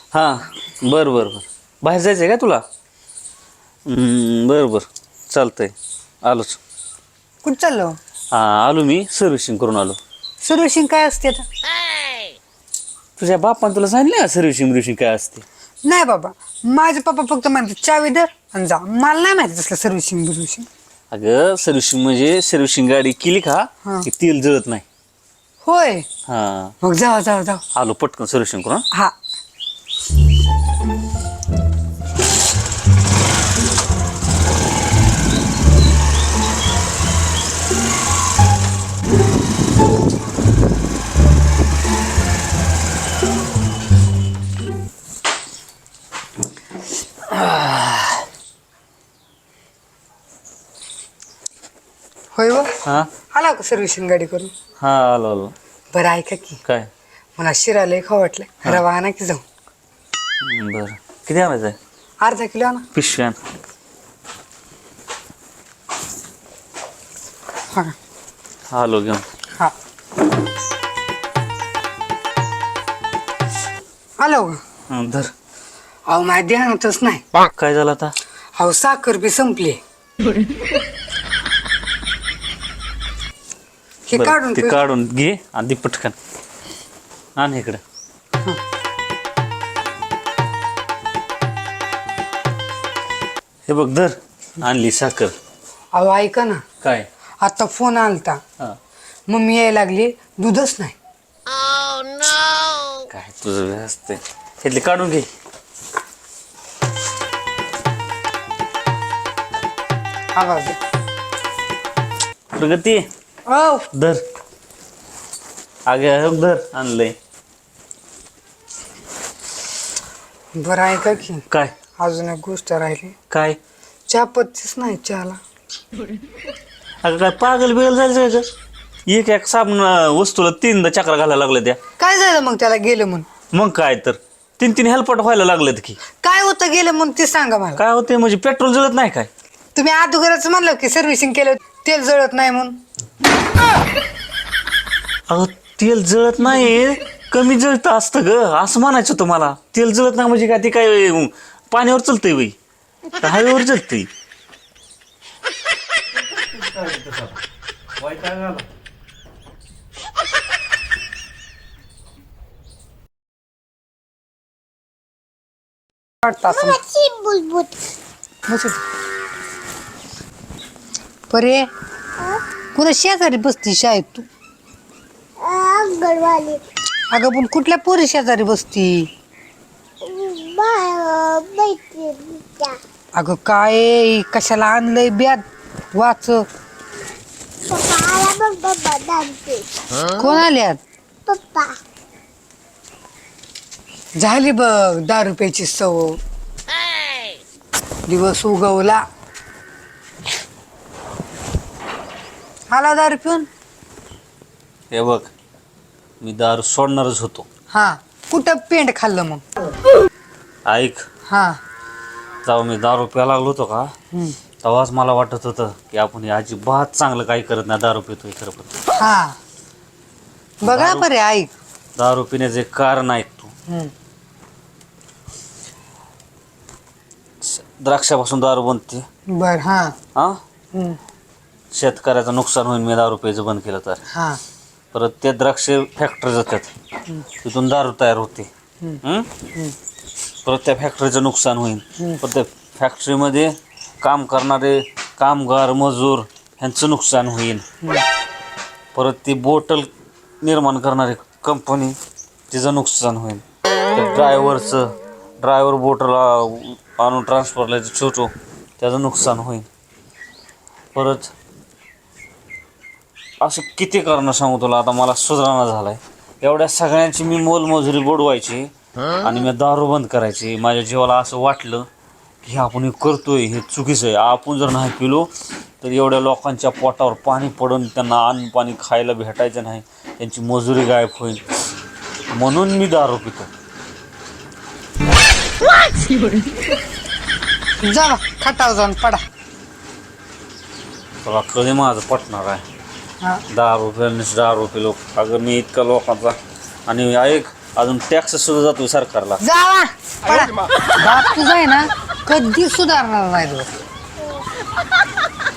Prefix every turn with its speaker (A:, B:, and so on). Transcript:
A: हां बरं बरं बरं बाहेर जायचं आहे का तुला? बरं बरं चालतंय आलोच.
B: कुठं चाललो?
A: हां आलो मी सर्व्हिसिंग करून आलो.
B: सर्व्हिसिंग काय असते आता?
A: तुझ्या बापान तुला सांगितलं का सर्व्हिसिंग बिर्व्हिसिंग काय असते?
B: नाही बाबा, माझे पप्पा फक्त म्हणतात चावी दर आणि जा. मला नाही माहिती तसलं सर्व्हिसिंग बिर्व्हिसिंग.
A: अगं सर्व्हिसिंग म्हणजे सर्व्हिसिंग गाडी केली का
B: हां.
A: की तेल जळत नाही.
B: होय,
A: हां
B: मग जावा जावा जावा.
A: आलो पटकन सर्व्हिसिंग करून.
B: हा. होय व
A: हां
B: आला का सर्व्हिसिंग गाडी करून?
A: हां आलो आलो.
B: बरं ऐका की,
A: काय?
B: मला शिरा लय खाऊ वाटलं. रवा आणा की जाऊ.
A: बरं किती आणायचं आहे?
B: अर्धा किलो आणा.
A: पिशव्यान.
B: हा
A: आलो घेऊन.
B: हा आलो का?
A: धर.
B: अहो माझ्या ध्यानातच नाही.
A: काय झालं आता?
B: अहो साखर बी संपली. हे
A: बरं,
B: काढून
A: ते
B: ठेव.
A: काढून घे आणि दे पटकन. आण इकडं. हे बघ धर आणली साखर.
B: अहो ऐका ना,
A: काय?
B: आता फोन आलता.
A: हां
B: मम्मी यायला लागली, दूधच नाही.
A: काय तुझं असते घेतली काढून घे.
B: आवाज
A: प्रगती
B: ओ
A: धर. अगे धर आणलंय.
B: बरं ऐका की,
A: काय?
B: अजून एक गोष्ट राहिली.
A: काय?
B: चहा पत्तीच नाही चहाला.
A: अगं काय पागल बिगल झालं का? एक एक साबण वस्तूला तीनदा चक्रा घालायला लागल्या त्या.
B: काय झालं मग त्याला गेलं म्हणून?
A: मग काय तर तीन तीन हेल्पट व्हायला लागलेत की.
B: काय होतं गेलं म्हणून ते सांगा मला.
A: काय होते म्हणजे पेट्रोल जळत नाही काय?
B: तुम्ही अगोदरच म्हणलं की सर्व्हिसिंग केलं तेल जळत नाही म्हणून.
A: अगं तेल जळत नाही, कमी जळतं असतं ग असं म्हणायचं होतं मला. तेल जळत नाही म्हणजे काय ते काय पाण्यावर चलतंय बाई का हवेवर जळतंय?
B: वाटतं असं. परे कुणा शेजारी बसती शाळेत तू? अगं पण कुठल्या पोरी शेजारी बसती? अगं काय कशाला आणलंय ब्याद वाच. कोण आल्यात?
C: पप्पा
B: झाली बघ दारू प्यायची सवय. दिवस उगवला. आला दारू पिऊन.
A: हे बघ मी दारू सोडणारच होतो.
B: हा कुठं पेंट खाल्लं मग?
A: ऐक,
B: हा
A: जेव्हा मी दारू प्यायला लागलो होतो का तेव्हाच मला वाटत होतं की आपण हे अजिबात चांगलं काही करत नाही, दारू पितोय खरं. पण
B: हा बघा बरे ऐक.
A: दारू पिण्याचे कारण ऐक तू. द्राक्षापासून दारू बनते.
B: बर हा
A: हा शेतकऱ्याचं नुकसान होईल मी दारू प्यायचं बंद केलं तर.
B: हा
A: परत ते द्राक्ष फॅक्टरी जातात, तिथून दारू तयार होते. परत त्या फॅक्टरीचं नुकसान होईल. परत त्या फॅक्टरीमध्ये काम करणारे कामगार मजूर ह्यांचं नुकसान होईल. परत ती बोटल निर्माण करणारी कंपनी तिचं नुकसान होईल. त्या ड्रायव्हर बोटल आणून ट्रान्सफरला छोटो त्याचं नुकसान होईल. परत असं किती कारणं सांगू तुला, आता मला सुधारणा झालाय. एवढ्या सगळ्यांची मी मोलमजुरी बुडवायची आणि मी दारू बंद करायची. माझ्या जीवाला असं वाटलं की आपण हे करतोय हे चुकीचं आहे. आपण जर नाही पिलो तर एवढ्या लोकांच्या पोटावर पाणी पडून त्यांना अन्न पाणी खायला भेटायचं नाही, त्यांची मजुरी गायब होईल. म्हणून मी दारू पितो.
B: जा खटाव जाऊन पडा.
A: तुला कधी माझं पटणार आहे?
B: हा
A: दारू पिलो. अगं मी इतका लोकांचा. आणि ऐक, अजून टॅक्स सुद्धा जातोय सरकारला.
B: जावा पळा. बाप तुझा आहे ना कधी सुधारणार नाही तो.